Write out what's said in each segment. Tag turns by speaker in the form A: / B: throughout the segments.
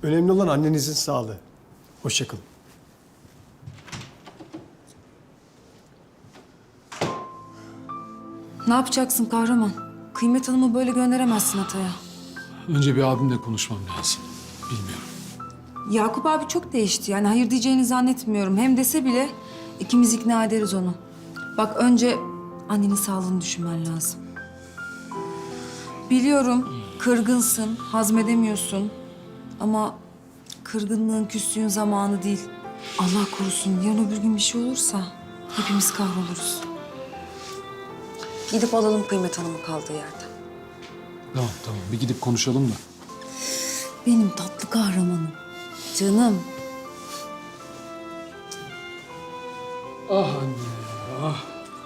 A: Önemli olan annenizin sağlığı. Hoşça kalın.
B: Ne yapacaksın kahraman? Kıymet Hanım'ı böyle gönderemezsin Atay'a.
C: Önce bir abimle konuşmam lazım. Bilmiyorum.
B: Yakup abi çok değişti. Yani hayır diyeceğini zannetmiyorum. Hem dese bile ikimiz ikna ederiz onu. Bak önce annenin sağlığını düşünmen lazım. Biliyorum kırgınsın, hazmedemiyorsun. Ama kırgınlığın, küslüğün zamanı değil. Allah korusun yarın öbür gün bir şey olursa hepimiz kahroluruz. Gidip alalım Kıymet Hanım'ı kaldığı yerden.
C: Tamam. Bir gidip konuşalım da.
B: Benim tatlı kahramanım. Canım.
C: Ah anne, ah.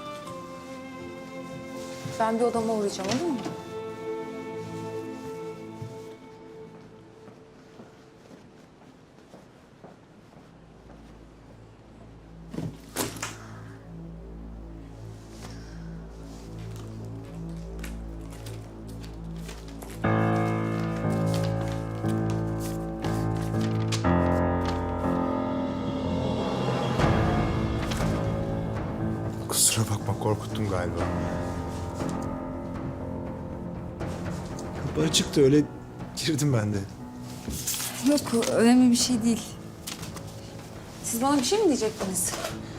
B: Ben bir odama uğrayacağım, olur mu?
D: Kusura bakma, korkuttum galiba. Kapı açıktı, öyle girdim ben de.
B: Yok, önemli bir şey değil. Siz bana bir şey mi diyecektiniz?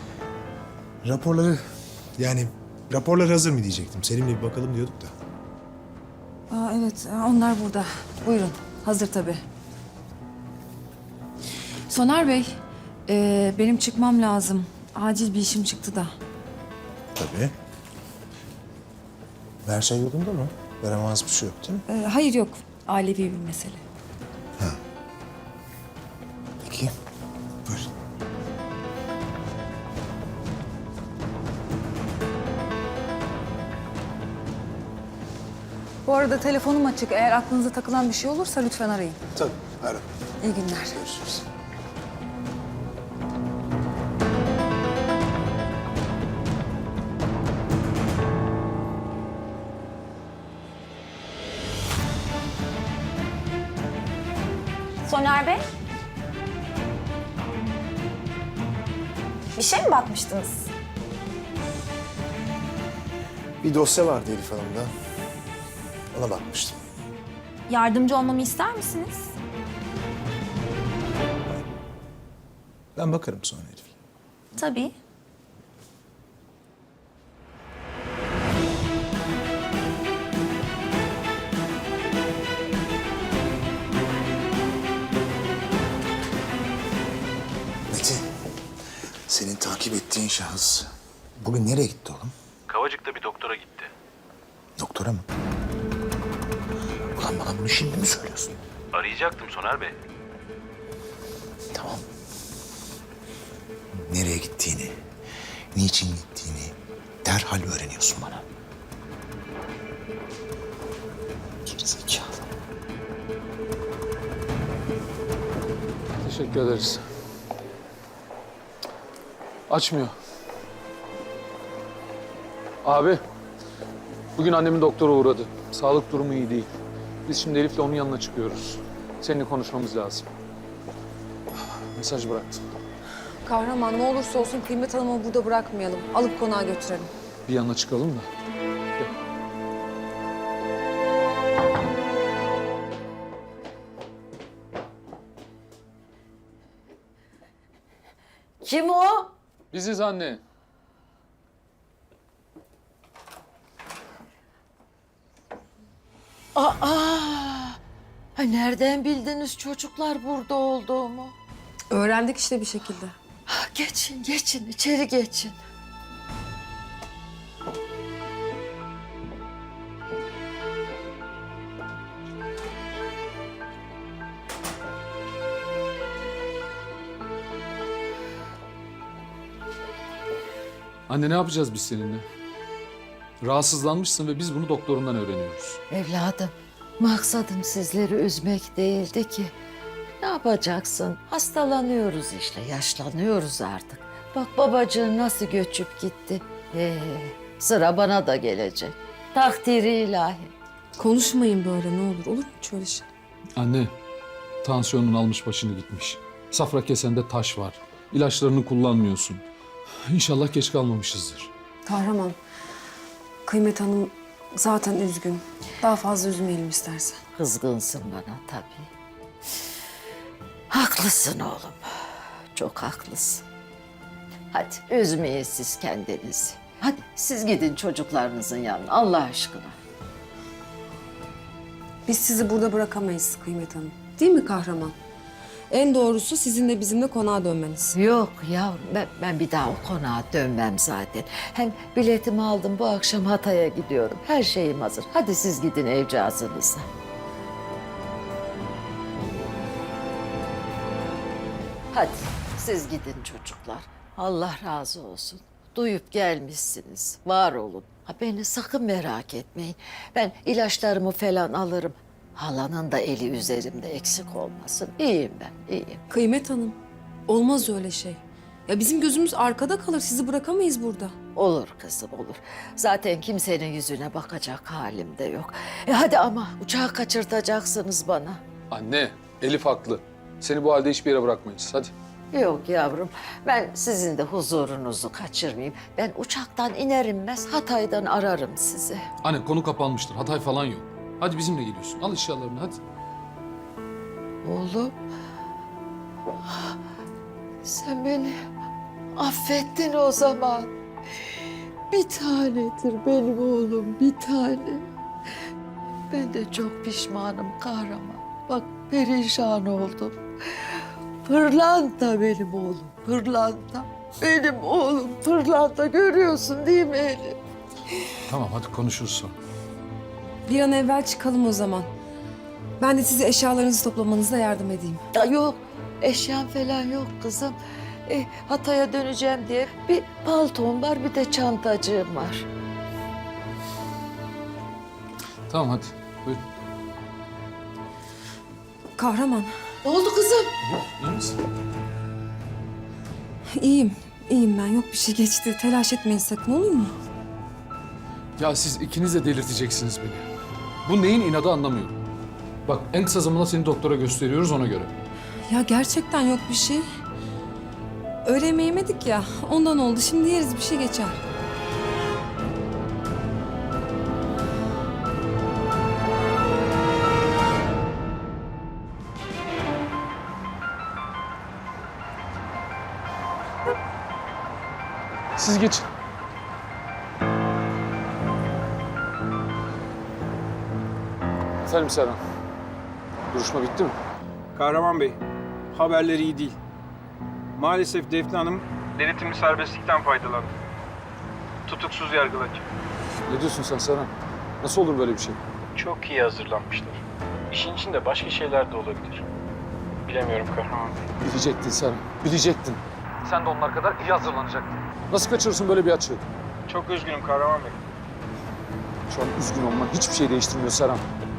D: Raporlar hazır mı diyecektim. Selim'le bir bakalım diyorduk da.
B: Aa, evet, onlar burada. Buyurun, hazır tabii. Soner Bey, benim çıkmam lazım. Acil bir işim çıktı da.
D: Tabii. Her şey yolunda mı? Yaramaz bir şey yok değil mi?
B: Hayır yok, ailevi bir mesele.
D: Peki. Buyurun.
B: Bu arada telefonum açık. Eğer aklınıza takılan bir şey olursa lütfen arayın.
D: Tabii, ara.
B: İyi günler.
D: Görüşürüz.
E: Soner Bey? Bir şey mi bakmıştınız?
D: Bir dosya vardı Elif Hanım'da. Ona bakmıştım.
E: Yardımcı olmamı ister misiniz?
D: Ben bakarım sonra Elif.
E: Tabii.
D: Metin, senin takip ettiğin şahıs bugün nereye gitti oğlum?
F: Kavacık'ta bir doktora gitti.
D: Doktora mı? Ulan bana bunu şimdi mi söylüyorsun?
F: Arayacaktım Soner Bey.
D: Tamam. Nereye gittiğini, niçin gittiğini derhal öğreniyorsun bana. Gerizekalı.
C: Teşekkür ederiz. Açmıyor. Abi, bugün annemin doktora uğradı. Sağlık durumu iyi değil. Biz şimdi Elif'le onun yanına çıkıyoruz. Seninle konuşmamız lazım. Mesaj bıraktım.
B: Kahraman ne olursa olsun Kıymet Hanım'ı burada bırakmayalım. Alıp konağa götürelim.
C: Bir yanına çıkalım da. Gel.
G: Kim o?
C: Biziz anne.
G: Ha, nereden bildiniz çocuklar burada olduğumu?
B: Öğrendik işte bir şekilde.
G: Geçin, geçin, içeri geçin.
C: Anne ne yapacağız biz seninle? Rahatsızlanmışsın ve biz bunu doktorundan öğreniyoruz.
G: Evladım, maksadım sizleri üzmek değildi ki. Ne yapacaksın? Hastalanıyoruz işte, yaşlanıyoruz artık. Bak babacığın nasıl göçüp gitti. Sıra bana da gelecek. Takdiri ilahi.
B: Konuşmayın böyle ne olur. Olur mu hiç öyle şey?
C: Anne, Tansiyonun almış başını gitmiş. Safra kesende taş var. İlaçlarını kullanmıyorsun. İnşallah geç kalmamışızdır.
B: Kahraman, Kıymet Hanım zaten üzgün. Daha fazla üzmeyelim istersen.
G: Kızgınsın bana tabii. Haklısın oğlum. Çok haklısın. Hadi üzmeyin siz kendinizi. Hadi siz gidin çocuklarınızın yanına Allah aşkına.
B: Biz sizi burada bırakamayız Kıymet Hanım. Değil mi Kahraman? En doğrusu sizin de bizimle konağa dönmeniz.
G: Yok yavrum ben bir daha o konağa dönmem zaten. Hem biletimi aldım bu akşam Hatay'a gidiyorum. Her şeyim hazır. Hadi siz gidin evcazınıza. Hadi siz gidin çocuklar. Allah razı olsun. Duyup gelmişsiniz. Var olun. Ha, beni sakın merak etmeyin. Ben ilaçlarımı falan alırım. Halanın da eli üzerimde eksik olmasın. İyiyim ben, iyiyim.
B: Kıymet Hanım, olmaz öyle şey. Ya bizim gözümüz arkada kalır. Sizi bırakamayız burada.
G: Olur kızım olur. Zaten kimsenin yüzüne bakacak halim de yok. Hadi ama uçağı kaçırtacaksınız bana.
C: Anne, Elif haklı. Seni bu halde hiçbir yere bırakmayız. Hadi.
G: Yok yavrum, ben sizin de huzurunuzu kaçırmayayım. Ben uçaktan iner inmez Hatay'dan ararım sizi.
C: Anne konu kapanmıştır. Hatay falan yok. Hadi bizimle geliyorsun. Al eşyalarını hadi.
G: Oğlum, sen beni affettin o zaman. Bir tanedir benim oğlum, bir tane. Ben de çok pişmanım kahraman. Bak perişan oldum. Pırlanta benim oğlum, pırlanta. Benim oğlum pırlanta, görüyorsun değil mi Elif?
C: Tamam hadi konuşuruz sonra.
B: Bir an evvel çıkalım o zaman. Ben de size eşyalarınızı toplamanıza yardım edeyim.
G: Ya yok, eşyam falan yok kızım. Hatay'a döneceğim diye bir paltom var, bir de çantacığım var.
C: Tamam hadi. Buyur.
B: Kahraman,
G: Ne oldu kızım?
C: İyi misin?
B: iyiyim ben. Yok bir şey geçti. Telaş etmeyin sakın, olur mu?
C: Ya siz ikiniz de delirteceksiniz beni. Bu neyin inadı anlamıyorum. Bak en kısa zamanda seni doktora gösteriyoruz ona göre.
B: Ya gerçekten yok bir şey. Öğle yemeği yemedik ya, ondan oldu. Şimdi yeriz, bir şey geçer.
C: Siz geçin. Efendim Serhan. Duruşma bitti mi?
H: Kahraman Bey, haberleri iyi değil. Maalesef Defne Hanım denetimli serbestlikten faydalandı. Tutuksuz yargılanacak.
C: Ne diyorsun sen Serhan? Nasıl olur böyle bir şey?
H: Çok iyi hazırlanmışlar. İşin içinde başka şeyler de olabilir. Bilemiyorum Kahraman Bey.
C: Bilecektin Serhan, bilecektin. Sen de onlar kadar iyi hazırlanacaktın. Nasıl kaçırırsın böyle bir açığı?
H: Çok üzgünüm Kahraman Bey.
C: Şu an üzgün olman hiçbir şey değiştirmiyor Serhan.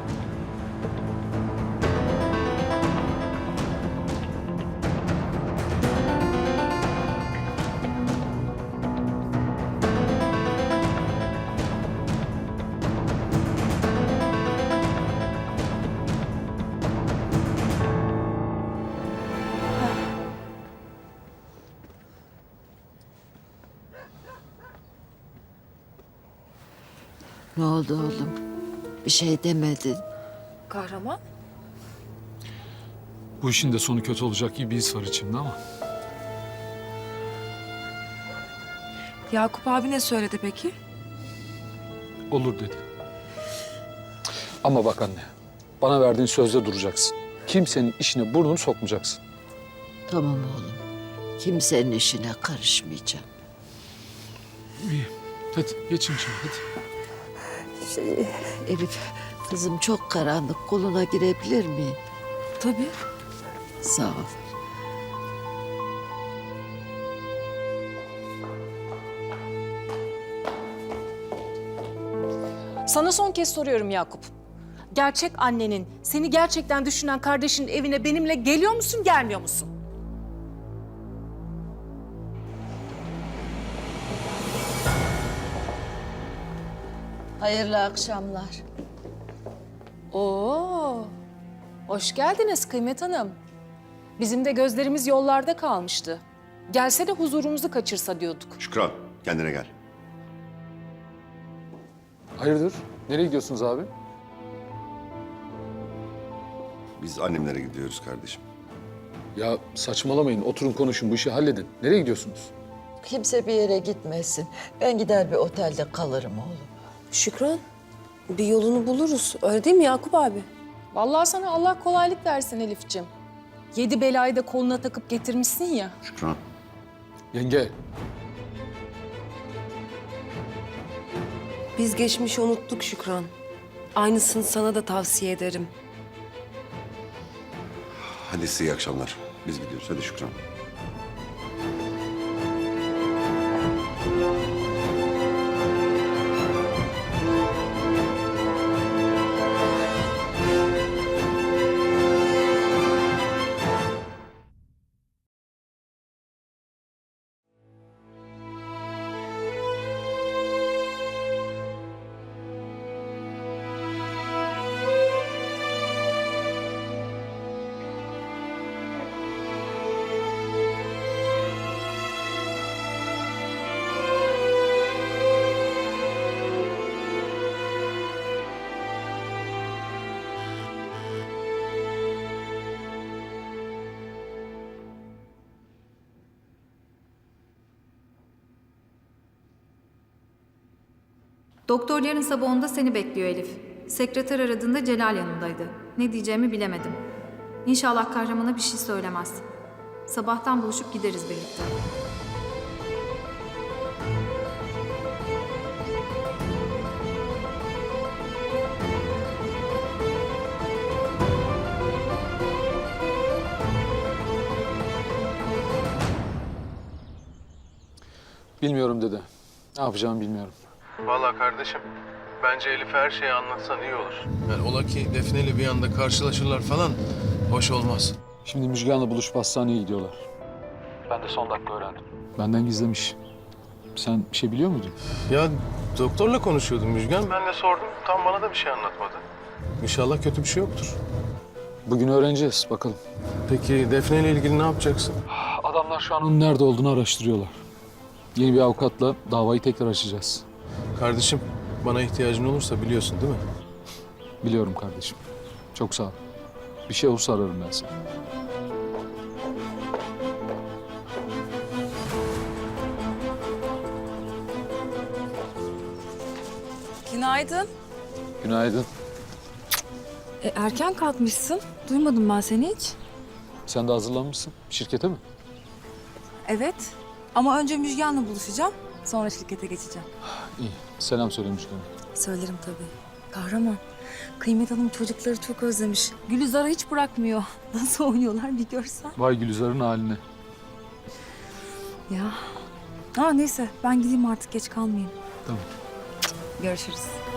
G: Ne oldu oğlum? Bir şey demedin.
B: Kahraman?
C: Bu işin de sonu kötü olacak gibi bir his var içimde ama.
B: Yakup abi ne söyledi peki?
C: Olur dedi. Ama bak anne, bana verdiğin sözde duracaksın. Kimsenin işine burnunu sokmayacaksın.
G: Tamam oğlum. Kimsenin işine karışmayacağım.
C: İyi. Hadi geçin şimdi hadi.
G: Elif, kızım çok karanlık. Koluna girebilir miyim?
B: Tabii.
G: Sağ ol.
I: Sana son kez soruyorum Yakup. Gerçek annenin, seni gerçekten düşünen kardeşinin evine benimle geliyor musun, gelmiyor musun?
G: Hayırlı akşamlar.
I: Oo, Hoş geldiniz Kıymet Hanım. Bizim de gözlerimiz yollarda kalmıştı. Gelse de huzurumuzu kaçırsa diyorduk.
J: Şükran, kendine gel.
C: Hayırdır? Nereye gidiyorsunuz abi?
J: Biz annemlere gidiyoruz kardeşim.
C: Ya saçmalamayın. Oturun konuşun. Bu işi halledin. Nereye gidiyorsunuz?
G: Kimse bir yere gitmesin. Ben gider bir otelde kalırım oğlum.
K: Şükran, bir yolunu buluruz. Öyle değil mi Yakup abi?
I: Vallahi sana Allah kolaylık versin Elif'ciğim. 7 belayı da koluna takıp getirmişsin ya.
J: Şükran.
C: Yenge.
K: Biz geçmişi unuttuk Şükran. Aynısını sana da tavsiye ederim.
J: Hadi size iyi akşamlar. Biz gidiyoruz. Hadi Şükran.
L: Doktor yarın sabah 10'da seni bekliyor Elif. Sekreter aradığında Celal yanındaydı. Ne diyeceğimi bilemedim. İnşallah kahramana bir şey söylemez. Sabahtan buluşup gideriz birlikte.
C: Bilmiyorum dede. Ne yapacağımı bilmiyorum.
H: Vallahi kardeşim, bence Elif'e her şeyi anlatsan iyi olur. Yani ola ki Defne ile bir anda karşılaşırlar falan, hoş olmaz.
C: Şimdi Müjgan'la buluşup hastaneye gidiyorlar. Ben de son dakika öğrendim. Benden gizlemiş. Sen bir şey biliyor muydun?
H: Ya doktorla konuşuyordum Müjgan. Ben de sordum, tam bana da bir şey anlatmadı. İnşallah kötü bir şey yoktur.
C: Bugün öğreneceğiz bakalım.
H: Peki Defne ile ilgili ne yapacaksın?
C: Adamlar şu an onun nerede olduğunu araştırıyorlar. Yeni bir avukatla davayı tekrar açacağız.
H: Kardeşim, bana ihtiyacın olursa biliyorsun değil mi?
C: Biliyorum kardeşim. Çok sağ ol. Bir şey olursa ararım ben seni.
B: Günaydın.
C: Günaydın.
B: Erken kalkmışsın. Duymadım ben seni hiç.
C: Sen de hazırlanmışsın. Şirkete mi?
B: Evet. Ama önce Müjgan'la buluşacağım. Sonra şirkete geçeceğim.
C: İyi. Selam söylemiş bana.
B: Söylerim tabii. Kahraman. Kıymet Hanım çocukları çok özlemiş. Gülizar'ı hiç bırakmıyor. Nasıl oynuyorlar bir görsen.
C: Vay Gülizar'ın haline.
B: Ya. Neyse ben gideyim artık geç kalmayayım.
C: Tamam.
B: Görüşürüz.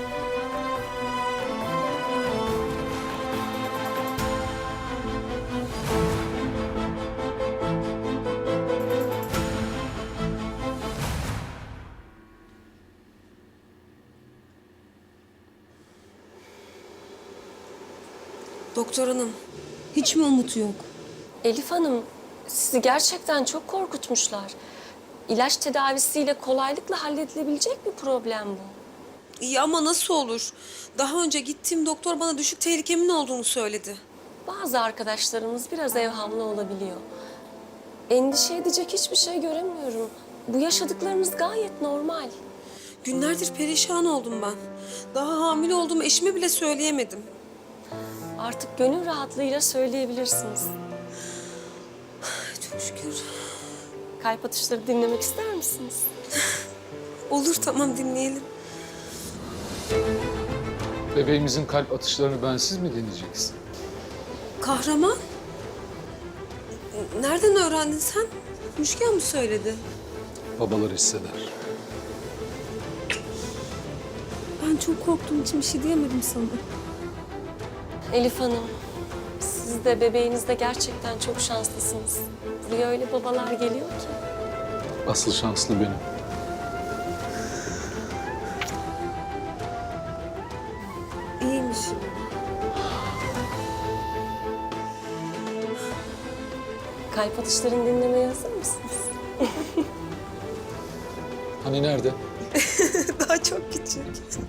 K: Doktor hanım, hiç mi umut yok?
M: Elif Hanım, sizi gerçekten çok korkutmuşlar. İlaç tedavisiyle kolaylıkla halledilebilecek bir problem bu.
K: İyi ama nasıl olur? Daha önce gittiğim doktor bana düşük tehlikemin olduğunu söyledi.
M: Bazı arkadaşlarımız biraz evhamlı olabiliyor. Endişe edecek hiçbir şey göremiyorum. Bu yaşadıklarınız gayet normal.
K: Günlerdir perişan oldum ben. Daha hamile olduğumu eşime bile söyleyemedim.
M: Artık gönül rahatlığıyla söyleyebilirsiniz.
K: Çok şükür.
M: Kalp atışları dinlemek ister misiniz?
K: Olur, tamam, dinleyelim.
C: Bebeğimizin kalp atışlarını bensiz mi dinleyeceksin?
K: Kahraman? Nereden öğrendin sen? Müjgan mı söyledi?
C: Babalar hisseder.
K: Ben çok korktuğum için bir şey diyemedim sana.
M: Elif Hanım, siz de bebeğiniz de gerçekten çok şanslısınız. Buraya öyle babalar geliyor ki.
C: Asıl şanslı benim.
K: İyiymiş.
M: Kalp atışlarını dinlemeye hazır mısınız?
C: Hani nerede?
K: Daha çok küçük.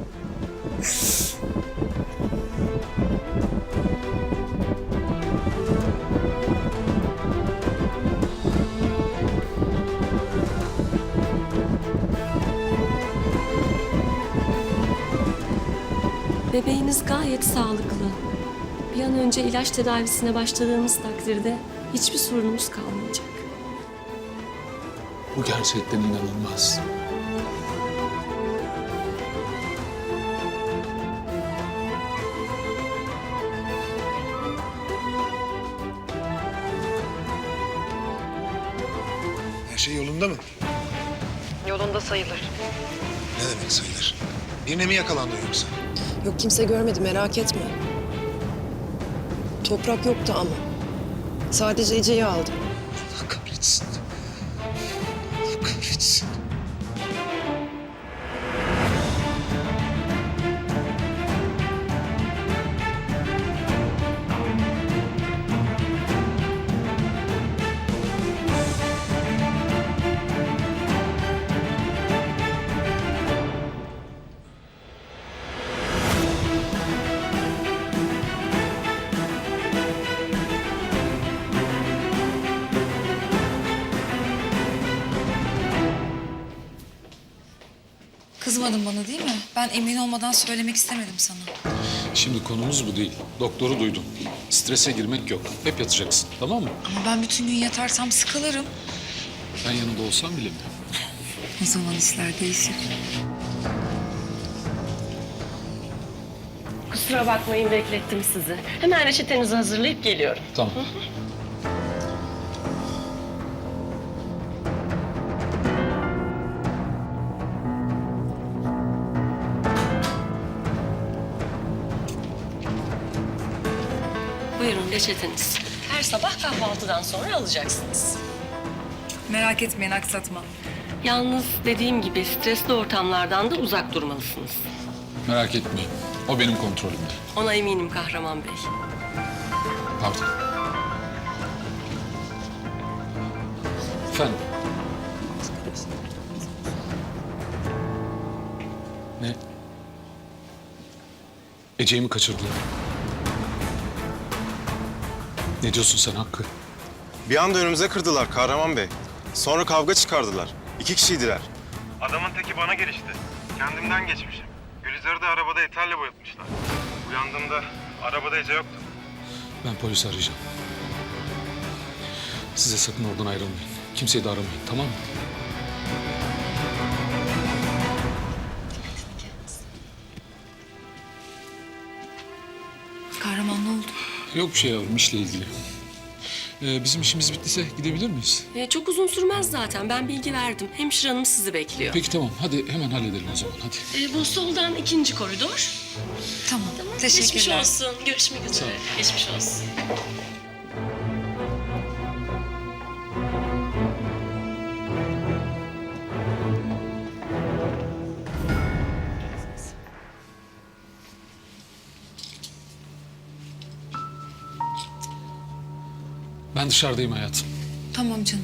M: Bebeğiniz gayet sağlıklı. Bir an önce ilaç tedavisine başladığımız takdirde hiçbir sorunumuz kalmayacak.
C: Bu gerçekten inanılmaz.
D: Her şey yolunda mı?
I: Yolunda sayılır.
D: Ne demek sayılır? Birine mi yakalandı yoksa?
K: Yok kimse görmedi merak etme. Toprak yoktu ama. Sadece Ece'yi aldım.
D: Allah kahretsin. Allah kahretsin.
B: Kızmadın bana değil mi? Ben emin olmadan söylemek istemedim sana.
C: Şimdi konumuz bu değil. Doktoru duydun. Strese girmek yok. Hep yatacaksın, tamam mı?
B: Ama ben bütün gün yatarsam sıkılırım.
C: Ben yanında olsam bilemiyorum.
B: O zaman işler değişir.
M: Kusura bakmayın beklettim sizi. Hemen reçetenizi hazırlayıp geliyorum.
C: Tamam.
M: Buyurun reçeteniz. Her sabah kahvaltıdan sonra alacaksınız.
B: Merak etmeyin aksatma.
M: Yalnız dediğim gibi stresli ortamlardan da uzak durmalısınız.
C: Merak etmeyin. O benim kontrolümde.
M: Ona eminim Kahraman Bey.
C: Pardon. Efendim? Ne? Ece'yi mi kaçırdılar? Ne diyorsun sen Hakkı?
H: Bir anda önümüze kırdılar Kahraman Bey. Sonra kavga çıkardılar. 2 kişiydiler. Adamın teki bana gelişti. Kendimden geçmişim. Gülizar'ı da arabada eterle boyatmışlar. Uyandığımda arabada Ece yoktu.
C: Ben polisi arayacağım. Size sakın oradan ayrılmayın. Kimseyi de aramayın, tamam mı?
B: Kahraman ne oldu?
C: Yok bir şey yavrum, işle ilgili. Bizim işimiz bittiyse gidebilir miyiz?
M: Çok uzun sürmez zaten. Ben bilgi verdim. Hemşire hanım sizi bekliyor.
C: Peki tamam, hadi hemen halledelim o zaman, hadi.
M: Bu soldan 2. koridor.
B: Tamam.
M: Geçmiş
B: Teşekkürler.
M: olsun. Görüşmek üzere. Geçmiş olsun.
C: Ben dışarıdayım hayatım.
B: Tamam canım.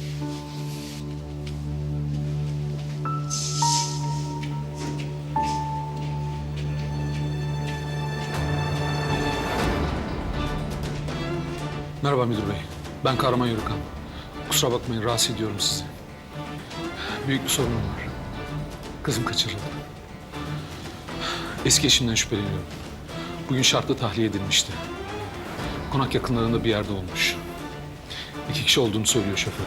C: Merhaba müdür bey. Ben Kahraman Yörükan. Kusura bakmayın, rahatsız ediyorum sizi. Büyük bir sorunum var. Kızım kaçırıldı. Eski eşimden şüpheleniyorum. Bugün şartlı tahliye edilmişti. Konak yakınlarında bir yerde olmuş. 2 kişi olduğunu söylüyor şoför.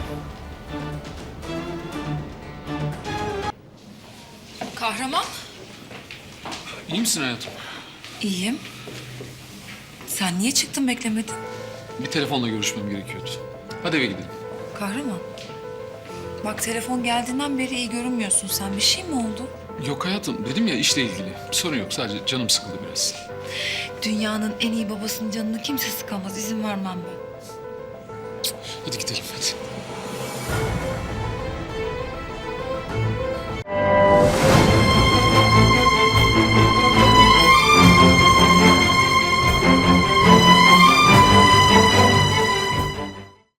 B: Kahraman?
C: İyi misin hayatım?
B: İyiyim. Sen niye çıktın beklemedin?
C: Bir telefonla görüşmem gerekiyordu. Hadi eve gidelim.
B: Kahraman. Bak telefon geldiğinden beri iyi görünmüyorsun sen. Bir şey mi oldu?
C: Yok hayatım, dedim ya işle ilgili. Bir sorun yok, sadece canım sıkıldı biraz.
B: Dünyanın en iyi babasının canını kimse sıkamaz. İzin vermem ben.
C: Hadi gidelim, hadi.